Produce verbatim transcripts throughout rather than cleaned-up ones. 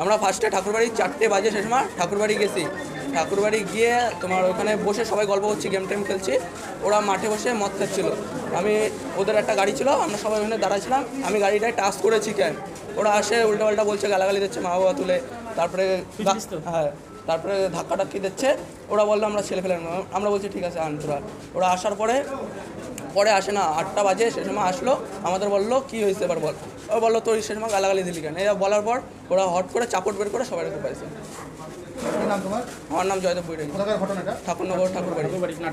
আমরা ফার্স্টে ঠাকুরবাড়ি চারটে বাজে সে সময় ঠাকুরবাড়ি গেছি। ঠাকুরবাড়ি গিয়ে তোমার ওখানে বসে সবাই গল্প করছি, গেম টেম খেলছি। ওরা মাঠে বসে মদ খাচ্ছিল। আমি ওদের একটা গাড়ি ছিল, আমরা সবাই ওখানে দাঁড়াছিলাম। আমি গাড়িটায় টাচ করেছি কেন, ওরা আসে উল্টো পাল্টা বলছে, গালাগালি দিচ্ছে মা বাবা তুলে। তারপরে হ্যাঁ তারপরে ধাক্কা টাক্কি দিচ্ছে। ওরা বললো আমরা ছেলে ফেলে, আমরা বলছি ঠিক আছে আন তোরা। ওরা আসার পরে পরে আসে না, আটটা বাজে সে সময় আসলো। আমাদের বললো কি হয়েছে এবার বল। ও বললো তোর সে সময় গালাগালি দিলি কেন। এরা বলার পর ওরা হট করে চাপট বের করে সবাই রেখে পাইছে। আমার নাম জয়দেব বুইড়ে, ঠাকুরনগর ঠাকুরবাড়ি।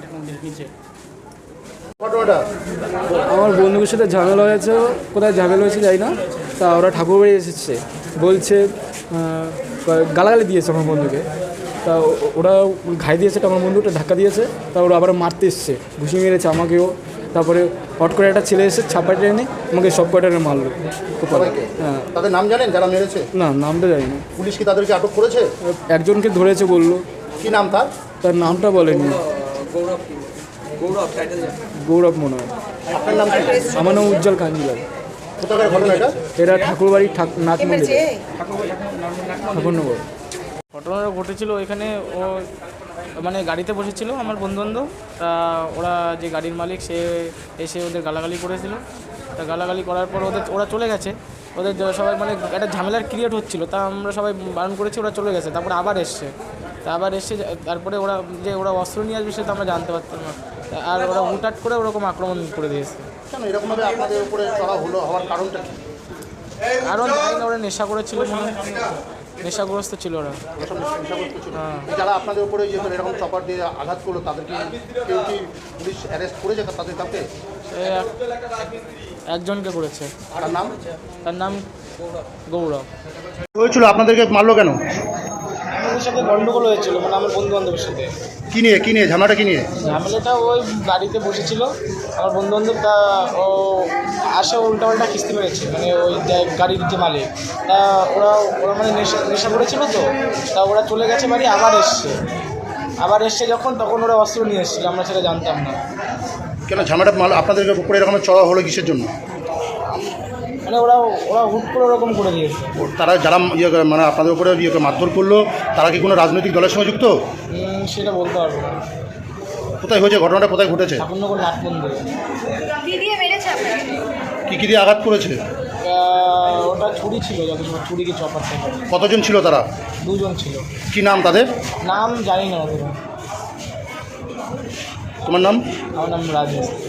আমার বন্ধুদের সাথে ঝামেলা হয়েছে, কোথায় ঝামেলা হয়েছে যাই না। তা ওরা ঠাকুরবাড়ি এসেছে, বলছে গালাগালি দিয়েছে আমার বন্ধুকে। তা ওরা ঘাই দিয়েছে, আমার বন্ধুটা ধাক্কা দিয়েছে। তা ওরা আবার মারতে এসছে, ঘুষি মেরেছে আমাকেও। তারপরে হট করে একটা ছেলে এসে ছাপাইটা এনে আমাকে সব কয়টারে মারলো। হ্যাঁ, তাদের নাম জানেন যারা মেরেছে? না, নামটা জানি না। পুলিশ কি তাদেরকে আটক করেছে? একজনকে ধরেছে বললো। কি নাম তার? তার নামটা বলেনি। গৌরব গৌরব টাইটেল গৌরব মনে হয়। আপনার নাম কি? আমার নাম উজ্জ্বল কাঞ্জিলাল। কোথাকার ঘটনা এটা? এরা ঠাকুরবাড়ি নাথ মন্দির, ঠাকুরনগর। ঘটনাটা ঘটেছিল এখানে, ও মানে গাড়িতে বসেছিল আমার বন্ধুবান্ধব। তা ওরা যে গাড়ির মালিক সে এসে ওদের গালাগালি করেছিল। তা গালাগালি করার পর ওদের ওরা চলে গেছে। ওদের সবাই মানে একটা ঝামেলার ক্রিয়েট হচ্ছিলো, তা আমরা সবাই বারণ করেছি, ওরা চলে গেছে। তারপরে আবার এসছে, তা আবার এসে তারপরে ওরা যে ওরা অস্ত্র নিয়ে আসবে সেটা আমরা জানতে পারতাম না। আর ওরা হুটহাট করে ওরকম আক্রমণ করে দিয়েছে। কেন এরকমভাবে আপনাদের উপরে চড়া হলো, হওয়ার কারণটা কি? কারণ ওরা নেশা করেছিল, নেশাগ্রস্ত ছিল ওরা। হ্যাঁ, যারা আপনাদের উপরে এরকম চপার দিয়ে আঘাত করলো তাদেরকে কেউ কি পুলিশ অ্যারেস্ট করেছে তাদের কাছে? একজনকে করেছে। তার নাম? তার নাম গৌরব। হয়েছিল আপনাদেরকে মারলো কেন? আমাদের সাথে গন্ডগোল হয়েছিল, মানে আমার বন্ধু বান্ধবের সাথে। কি নিয়ে কি নিয়ে ঝামেলাটা কি নিয়ে? ঝামেলাটা ওই গাড়িতে বসেছিল আমার বন্ধু বান্ধব। তা ও আসে উল্টা পাল্টা কিস্তি মেরেছে, মানে ওই গাড়ির যে মালিক। তা ওরা ওরা মানে নেশা নেশা করেছিল, তো তা ওরা চলে গেছে বাড়ি। আবার এসছে আবার এসছে যখন, তখন ওরা অস্ত্র নিয়ে এসেছিল, আমরা সেটা জানতাম না। কেন ঝামেলাটা মাল আপনাদের উপরে এরকম চড়া হলো কিসের জন্য? মানে ওরা ওরা হুট করে ওরকম করে দিয়েছে। তারা যারা ইয়ে মানে আপনাদের উপরে ইয়ে মারধর করলো তারা কি কোনো রাজনৈতিক দলের সঙ্গে যুক্ত? সেটা বলতে পারবো না। কোথায় হয়েছে ঘটনাটা, কোথায় ঘটেছে? ঠাকুরনগর নাট মন্দিরে। কি কি দিয়ে আঘাত করেছে? ওটা ছুরি ছিল, যত সময় ছুরি কি চপার থেকে। কতজন ছিল তারা? দুজন ছিল। কি নাম তাদের? নাম জানি না ওদের। তোমার নাম? আমার নাম রাজেশ।